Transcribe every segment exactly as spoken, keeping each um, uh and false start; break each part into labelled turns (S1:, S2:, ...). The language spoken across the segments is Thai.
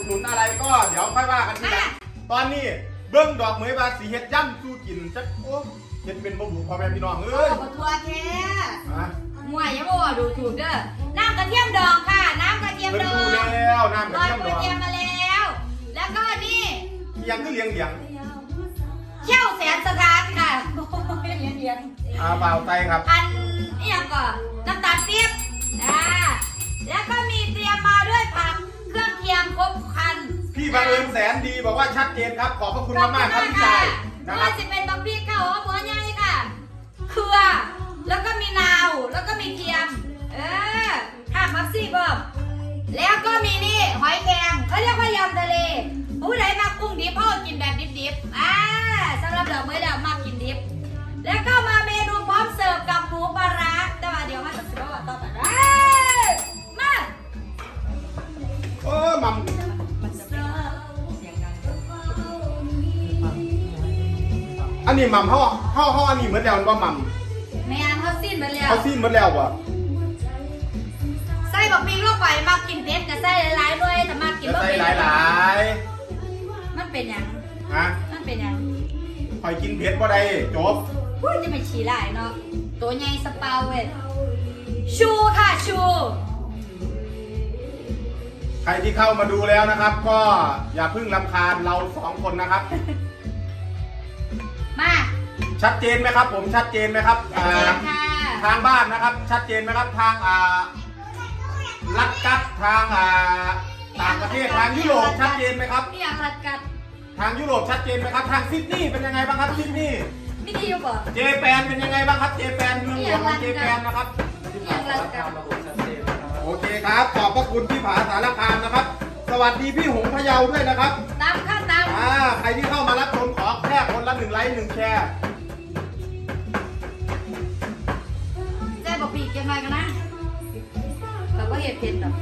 S1: หนุนอะไรก็เดี๋ยวค่อยว่ากันทีหลังตอนนี้เบิ้งดอกเหมยบาสีเฮ็ดย่ำสู้กินจักโอ้เฮ็ดเป็นบ่บุพ่อแม่พี่น้องเอ้ย
S2: ขอทัวร์แค่
S1: ฮะ
S2: มวยยังบอกดูถูกเด้อน้ำกระเทียมดองค่ะน้ำกระเทียม
S1: เพิ่น
S2: ดอ
S1: ดู
S2: ง
S1: แล้วน้ำกระ
S2: ลอย
S1: เทียม
S2: ก
S1: ด
S2: ระ
S1: อง
S2: เทียมมาแล้ว แล้วก็นี่
S1: เทียงคือเลี้ยงเลี้ยง
S2: เขี้ยวแสนสถานค่ะโอ้ยเลี้ยงเลี้ยง
S1: อ่าเปล่าไตครับ
S2: อันนี่ยังก่อนน้ำตาลปี๊บอ่าแล้วก็มีเตรียมมาด้วยผักเครื่องเคียงครบครัน
S1: พี่บังเอิญแสนดีบอกว่าชัดเจนครับขอบพระคุณมากๆครับพี่ชาย
S2: ไม่
S1: นะครั
S2: ว่า
S1: บ
S2: จะเป็นบักพี่ข้าวหอมหัวใหญ่ค่ะเครือแล้วก็มีนาวแล้วก็มีเทียมเออถ้ามักซี่เบิ่มแล้วก็มีนี่หอยแครงเขาเรียกว่ายำทะเลผู้ใดมากุ้งดิบเขากินแบบดิบๆอ่าสำหรับดอกไม้ดาวมากกินดิบแล้วก็มาเมนูพร้อมเสิร์ฟกับหมูปลาร้าแต่ว่าเดี๋ยวมาจะสิบว่าต่อไปเอ้ยมา
S1: เออมัมอันนี้มัมเขาเขาเขาอันนี้เหมือนแล้วว่ามัม
S2: แม่นเขาสิ้นไปแล้ว
S1: เขาซีนเหมือนแล้วว่ะ
S2: ใส่บักพีลงไปมากินเผ็ดกับใส่หลายๆด้วยแต่มากิน
S1: จะ
S2: บ่
S1: ใส่
S2: เผ็ด
S1: หลายหลาย
S2: มันเป็นหยัง
S1: ๆฮะ
S2: มันเป็นหยัง
S1: คอยกินเผ็ดบ่ได้จบ
S2: พูดจะไม่ฉี่หลายเนาะตัวใหญ่สเปาเว้ยชูค่ะชู
S1: ใครที่เข้ามาดูแล้วนะครับ ก็อย่าเพิ่งรำคาญเราสองคนนะครับ
S2: มา
S1: ชัดเจนไหมครับ ผมชัดเจนไหมครับ
S2: เจนค่ะ
S1: ทางบ้านนะครับ ชัดเจนไหมครับทางอ่าลัดกัดทางอ่าต่างประเทศทางยุโรปชัดเจนไหมครับ
S2: นี่ยังรัดกัด
S1: ทางยุโรปชัดเจนไหมครับทางซิดนีย์เป็นยังไงบ้างครับซิดนีย์
S2: ไม่ดีอยู่บ่
S1: เจแปนเป็นยังไงบ้างครับเจแปนเมืองหลวงของเจแปนนะครับ
S2: นี่ยังรัดกัด
S1: โอเคครับขอบพระคุณพี่ผาสารคามนะครับ สวัสดีพี่หงพะเยาด้วยนะครับ
S2: ตามขั้นตาม
S1: อ่าใครที่เข้ามารับชมขอแค่คนละหนึ่งไลค์หนึ่งแชร์
S2: แจ้บอกปีกยังไงกันนะแต่ว่าเห็ดเผ็ดดอก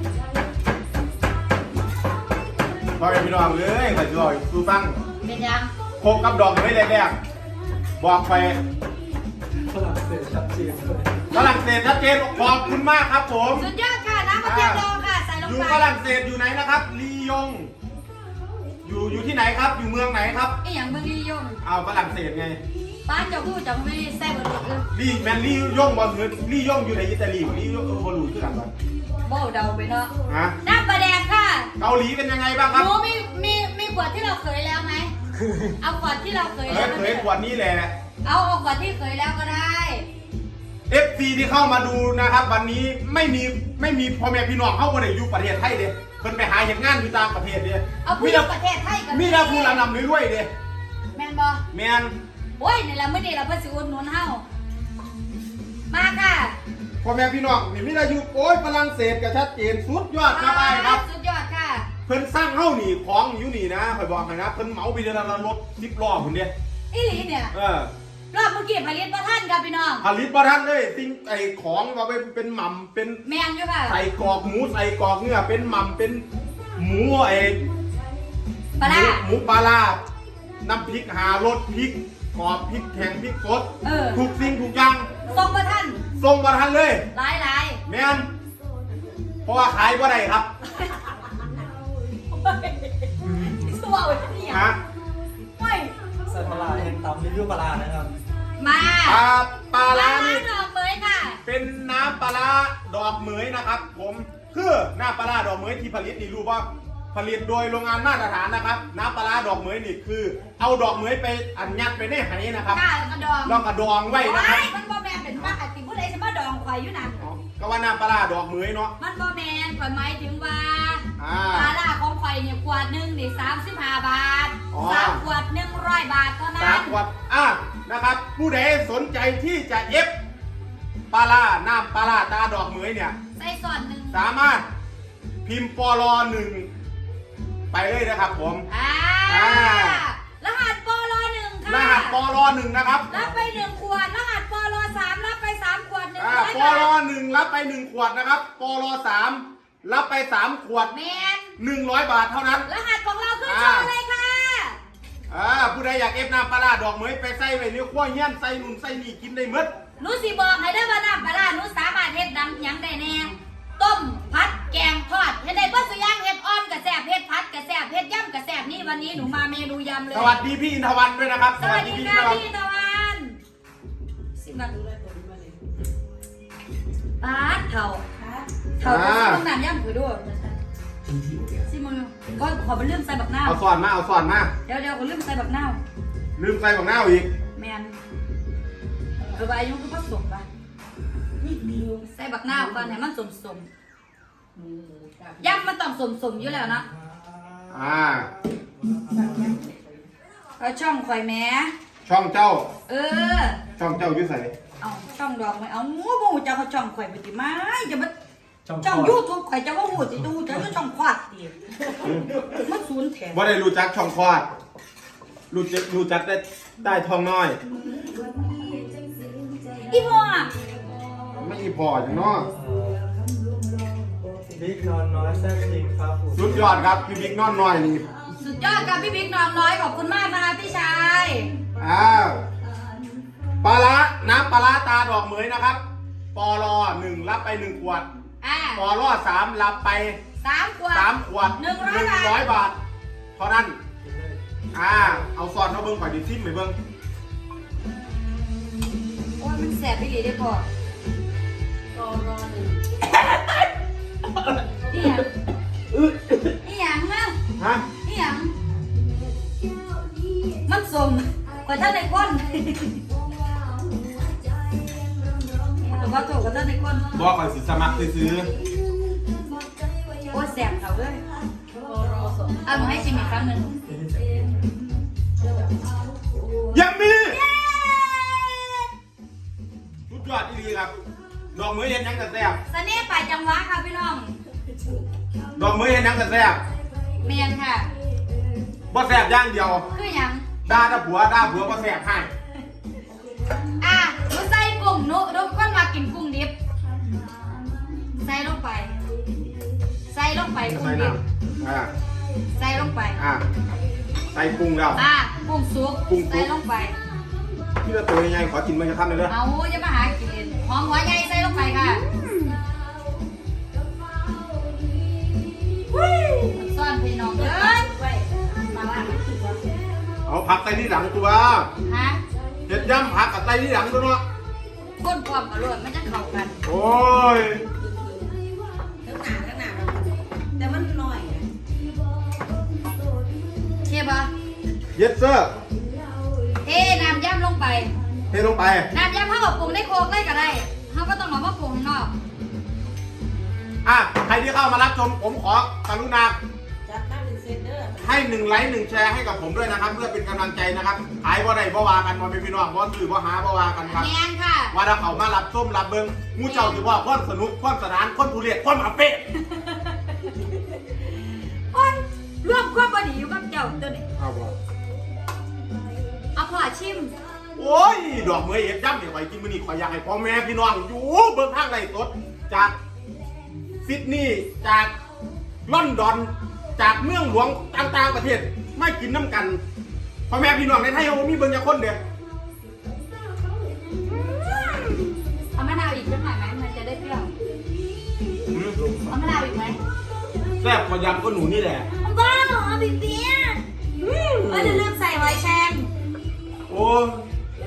S1: พอเป็นพี่น้องเลยขอจะลอยสู้ฟัง
S2: เป็นยัง
S1: โคกกับดอกไม่แรกๆบอกไป
S3: ฝรั่งเศสชัดเจนเลย
S1: ฝรั่งเศสชัดเจนขอบคุณมากครับผม
S2: สุดยอดค่ะน้ำกระเทียมดองค่ะใส่ลง
S1: อยู่
S2: ไป
S1: ฝรั่งเศสอยู่ไหนนะครับลียง อยู่อยู่ที่ไหนครับ อยู่เมืองไหนครับ
S2: ไอ้อย่างเมืองลียง
S1: เอาฝรั่งเศสไง
S2: ป้านเจ้าพูดจะไม่แซ่บเลย
S1: ลีแมนลียงบอลเงินลียงอยู่ในอิตาลีลียงบอลลูคือกันบ้าง
S2: โบ้เดาไปเนาะ
S1: ฮะ
S2: น้ำปลาแดงค่ะ
S1: เกาหลีเป็นยังไงบ้างครับ
S2: หนูมีมีมีขวดที่เราเคยแล้วไหม เอาขวดที่เราเคย
S1: เอ
S2: แล้
S1: อ
S2: ว
S1: เคยขวดนี้แหละ
S2: เอาเอาขวดที่เคยแล้วก็ได้
S1: เอฟซีที่เข้ามาดูนะครับ วันนี้ไม่มีไม่มีพ่อแม่พี่น้องเข้ามาในอยู่ประเทศไทยเด้เพิ่นไปหาเห็นงานอยู่ต่างประเทศเด้
S2: เอาผู้
S1: มี
S2: หญิ
S1: แต่
S2: งประเทศไทยกัน
S1: มีแต่ผู้ระนำรวยๆเด้
S2: แมนบอ
S1: แมน
S2: โอ้ยนี่แหละเมื่อนี้เราเพิ่งสิอุดหนุนเฮามาค่ะ
S1: พ่อแม่พี่น้องนี่มีแต่อยู่โอ้ยฝรั่งเศสก็ชัดเจนสุดยอดครับไอ้ครับ
S2: สุดยอดค่ะ
S1: เพิ่นสร้างเฮ้านี่ของอยู่นี่นะข่อยบอกให้นะเพิ่นเหมาไปเดือนละรถสิบล้อพุ่นเด้
S2: อีหลีเนี่ย
S1: เออ
S2: รอบเมื่อกี้ผลิตประท่านค่ะพี่น้อง
S1: ผลิตบ่ทันเลยสิ่งไอ้ของว่าเป็นเป็นหม่ำเป็น
S2: แมนอยู่ค่ะ
S1: ใส่กรอกหมูใส่กรอกเนื้อเป็นหม่ำเป็นหมูไอ้
S2: ปลาร้า
S1: หมูปลาร้าน้ำพริกหารสพริกกรอบพริกแข็งพริกสด
S2: เออ
S1: ทุกสิ่งทุกอย่าง
S2: ทรงประท่าน
S1: ส่งบ่ทันเลย
S2: หลายหลาย
S1: แม่นเพราะว่าขายบ่ได้ครับ
S2: ชั่วเลยนี่
S1: ฮะ
S2: ไม่
S3: ใส่ปลาร้าแห้งตำรีวิวปลาร้านะครับ
S2: มา
S1: ปลาปลาร้านี่
S2: ดอกเมยค่ะ
S1: เป็นน้ำปลาร้าดอกเหมยนะครับ ผมคือน้ำปลาร้าดอกเหมยที่ผลิตนี่รู้ว่าผลิตโดยโรงงานมาตรฐานนะครับ น้ำปลาร้าดอกเหมยนี่คือ เอาดอกเหมยไปอัดยัดไปในไหนะครับ
S2: ก้าแล้วก็ดอง
S1: ลองกระดองไว้นะครับ
S2: โอ้ยมันบ่แมนเป็นมากติผู้ใดจะมาดองข่อยอยู่นั่น
S1: อ๋อก็ว่าน้ำปลาร้าดอกเหมยเนาะ
S2: มันบ่แมนข่อยหมายถึงว่า
S1: อ่า
S2: ปลาล่าของข่อยเนี่ยขวดหนึ่งนี่สามสิบห้าบาท
S1: อ๋อ
S2: สามขวดหนึ่งร้อยบาทเท่านั้
S1: สาม
S2: น
S1: ขวดอ่ะนะครับ ผู้ใดสนใจที่จะเอฟปลาร้าน้ำปลาร้าตาดอกเหมยเนี่ย
S2: ใส่ส่วนหนึ่ง
S1: สามารถพิมพ์ปลอหนึ่งไปเลยนะครับผม
S2: อ่า
S1: อ่า
S2: รหัสปลหนึ่งค่ะ
S1: รหัสปลอหนึ่งนะครับ
S2: รับไปหนึ่งขวดรหัสปลสามรับไปสามขวดหนึ่ง
S1: อ่า
S2: ร้อย
S1: ป
S2: บา
S1: ลอ
S2: ท
S1: หนึ่งรับไปหนึ่งขวดนะครับปลอสามรับไปสามขวด
S2: แมน
S1: หนึ่งร้อยบาทเท่านั้น
S2: รหัสของเราขึ้น
S1: อ่า
S2: โชว์เลยค่ะ
S1: อ่าผู้ใดอยากเอฟน้ำปลาร้าดอกเหมยไปใส่ไว้ในขั้วเฮี้ยนใส่นุ่นใส่นี่กินได้หมด
S2: หนูสิบอกให้ได้ว่าน้ำปลาร้าหนูสามารถเฮ็ดน้ำหยังได้แน่ต้มผัดแกงทอดเฮ็ดได้เพื่อสุย่างเฮ็ดอ่อนกกระแสเพชรพัดกระแสเพชรย่ำกระแสนี่วันนี้หนูมาเมนูยำเลย
S1: สวัสดีพี่อินทวันด้วยนะครับ
S2: สวัสดี
S1: พี่
S2: ค่ะ
S1: อินทวัน
S2: พี่ตะวันสิบันปาดเถ่าเถ่าจะต้องน้ำย่ำผือด้วยซิมึงก็ขอเป็นเรื่องใส่บักหน้า
S1: เอาสอนมาเอาสอนมา
S2: เดี๋ยวเดี๋ยวขอเรื่องใส่บักหน้า
S1: ลืมใส่ของหน้าอีก
S2: แมนเออใบยุ่งก็ผสมไปใส่บักหน้าก่อนให้มันสมสมย่ำมันต้องสมสมอยู่แล้วนะ
S1: อ่า
S2: เอาช่องข่อยแม้
S1: ช่องเจ้า
S2: เออ
S1: ช่องเจ้าอยุ่ใส่
S2: เอาช่องดอกไม้เอาหมูบูจะเขาช่องข่อยไปติมาจะมา
S3: ช่อง
S2: ช่อง
S3: คลอด
S2: ยูทูบข่อยจะว่าหูสิดูจะก็ช่องควาดดิมันศูนย์แถม
S1: ว่าได้รู้จักช่องคลอดรู้จักรู้จักได้ได้ทองน้อย
S2: อีพ่อ
S1: ไม่อีพออย่างเน้อ
S3: บิ๊กนอนน้อยแซ่บจริงครับผม
S1: สุดยอดครับพี่บิ๊กนอนน้อยนี่
S2: สุดยอดกับพี่บิ๊กน้องน้อยขอบคุณมากนะคะพี่ชาย
S1: อ้าวปลาละน้ำปลาละตาดอกเหมยนะครับปอลอหนึ่งรับไปหนึ่งขวด
S2: อ่า
S1: ปอลอสามรับไป
S2: สามขวด
S1: สามขวด
S2: หนึ่งร้อยบาท
S1: ร้อยบาทเท่านั้นอ่าเอาซอนเอาเบิ้งข่อยดิซิมไปเบิ้ง
S2: โอ้ยมันแสบไปดีได้พอนี่ยังนี่ยังนะ
S1: ฮะ
S2: นี่ยังมันสมกว่าท่านในก้นแต่ว่าถูกกว่าท่านในก้น
S1: บอกข่อยสิสมัครซื้อ
S2: โอ้ยแสบเขาเลยเอามาให้ชิมอีกครั้งหนึ่ง
S1: ๆยังมีสุดยอดดีครับดอกเหมยเห็นยังกระแซบ
S2: เสน่ห์ปลายจังหวะค่ะพี่น้อง
S1: ดอกเหมยเห็นยังกระแซบ
S2: เมียนค่ะ
S1: บ่แซบอย่างเดียว
S2: คือหยัง
S1: ด่าถ้าผัวด่าผัวบ่แซบให้
S2: อ่ะหนูใส่กุ้งหนูหนูเป็นคนมากินกุ้งดิบ ใส่ลงไป ใส่ลงไปกุ้ง
S1: ใส่
S2: ดิ
S1: น้
S2: บ
S1: ำอ่า
S2: ใส่ลงไป
S1: อ่าใส่กุ้งแล้ว
S2: อ่ะกุ้งสุก
S1: กุ้งสุก
S2: ใส่ลงไป
S1: ที่ละตัวยังไงขอกินมันจะทำเลยเลย
S2: เอาอย่ามาหากินเล่นหอมหัวใหญ่ใส่ลงไปค่ะซ่อนพี่น้องเอ้ยมาว่า
S1: เอาผักใส่ที่หลังตัว
S2: ฮะ
S1: เห็ดย่ำผักกับใส่ที่หลังตัวเนาะ
S2: ก้นความอร่อยมันจะเข้ากัน
S1: โอ้ย
S4: แต่มันหน่อย
S2: เทียบปะ
S1: เย็ดเซอร์
S2: เทน้ำย่ำลงไป
S1: เทลงไป
S2: น้ำยำข้าวกับปรุงได้โคกได้ก็ได้เขาก็ต้องเอามาปรุงข้างนอก
S1: อ่ะใครที่เข้ามารับชมผมขอกรุณา
S4: จัดตั้งเป็นเซนเดอร์
S1: ให้หนึ่งไลค์หนึ่งแชร์ให้กับผมด้วยนะครับ เพื่อเป็นกำลังใจนะครับขายบ่ได้บ่วากันบ่เป็นพี่น้องบ่ซื้อบ่หาบ่วากันครับ
S2: แมนค่ะ
S1: ว่าถ้าเขามารับส้มรับเบิ้งมูเจ้าถือว่าความสนุกความสนานความทุเรศความอาเป๊ะ
S2: โอ้ยร่วมความบดีอยู่กับเจ้าตัวนี้
S1: เอาบ่
S2: เอาพอชิม
S1: โอ้ยดอกเมยเอ็ดย่ำเนี่ยไว้กินมื้อนี้ขอยอยากให้พ่อแม่พี่น้องอยู่เบิ่งทางไรสดจากซิดนีย์จากลอนดอนจากเมืองหลวงต่างๆประเทศไม่กินน้ำกันพ่อแม่พี่น้องในไทยเขามีเบิ่งจักคนเด้อ
S2: เอามะนาวอีกสักหน่อยไหมมันจะได้เปรี้ยว
S1: อืม
S2: เอามะนาวอีกไหม
S1: แซ่บกว่ายำก็หนูนี่แหละ
S2: บ้าเหรอบิ๊กเบี้ยเออจะลืมใส่หอยแครง
S1: โอ้ย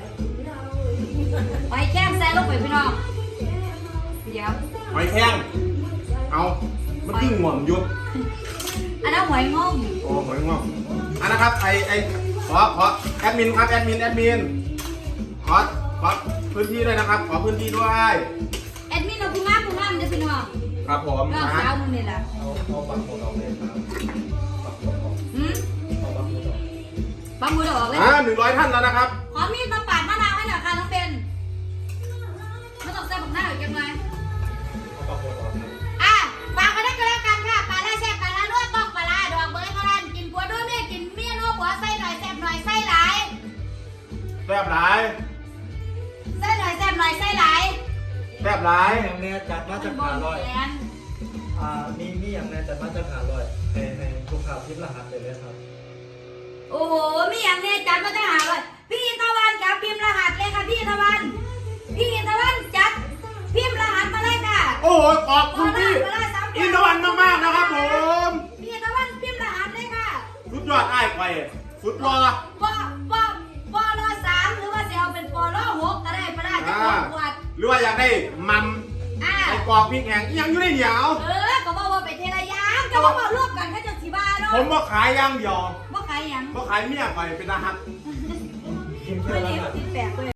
S2: หอยแครงใส่ลงไปพี่น้องเดี๋ยว
S1: หอยแข้งเอามันขึ้นหม่อมยุบ
S2: อันนั้นหอยงง
S1: โอ้หอยงอกอันนะครับไอไอขอขอแอดมินครับแอดมินแอดมินขอขอพื้นที่ด้วยนะครับ ขอพื้นที่ด้วย
S2: แอดมินเอาพุงงามพุงงามเดี๋ยวพี่น้อง
S1: ครับผม
S2: น้อง
S1: นะ
S2: สาวมึงนี่แหละ
S3: เอาเอาบังหมดออกเลยครับบังหมดออก
S2: หืม
S3: เอาบังหมดออก
S2: บังมือออกเลย
S1: อ่าหนึ่งร้อยท่านแล้วนะครับ
S2: ขอมีดมาปาดมะนาวให้หน่อยค่ะน้องเบนไม่ต้องใส่บักหน้าอีกยังไง
S3: เอาบังหมดออกเลย
S2: อ่ะฝากกันได้ก็แล้วกันค่ะปลาล่าแซ่บปลาล่าลวกต้องปลาล่าดอกเบยเท่านั้นกินผัวด้วยเมียกินเมียนัวผัวใส่หน่อยแซ่บหน่อยใส่หลาย
S1: แซ่บหลาย
S2: ใส่หน่อยแซ่บหน่อยใส่หลาย
S1: แซ่บหลาย
S3: อย่างแน่จัดมาจากขาลอย
S2: แมน
S3: อ่ามีมีอย่างแน่จัดมาจากขาลอยในในทุกข่าวทิพย์รหัสเลยนะครับ
S2: โอ้โหมีอย่างนี้จัดมาได้หาเลยพี่อินทวันกับพิมพ์รหัสเลยค่ะพี่อินทวันพี่อินทวันจัดพิมพ์รหัสมาเลยค่ะ
S1: โอ้โหขอบคุณพี่อินทวันมากๆนะครับผม
S2: พี่อินทวัน
S1: ยอดอ้ายไปสุดรอ
S2: ปอปอปอรอสามหรือว่าจะเอาเป็นปอรอหกก็ได้ปลาจะขวดขวด
S1: หรือว่าอยากได้มัม
S2: อ่า
S1: ไอ้กรอกพริกแห้งอีหยังอยู่ในเหนียว
S2: เออก็บอกว่าเป็นเทระยางก็บอกว่ารวบกันแค่จะสีบาเนาะ
S1: ผมบ่ขายอย่างเดียว
S2: บ่ขายหยัง
S1: บ่ขายเมียไปเป็นอาหาร
S3: กิน
S2: ไม่
S3: เพื่อ
S2: เลี้ยง
S3: ละ
S2: ติดแปลกเลย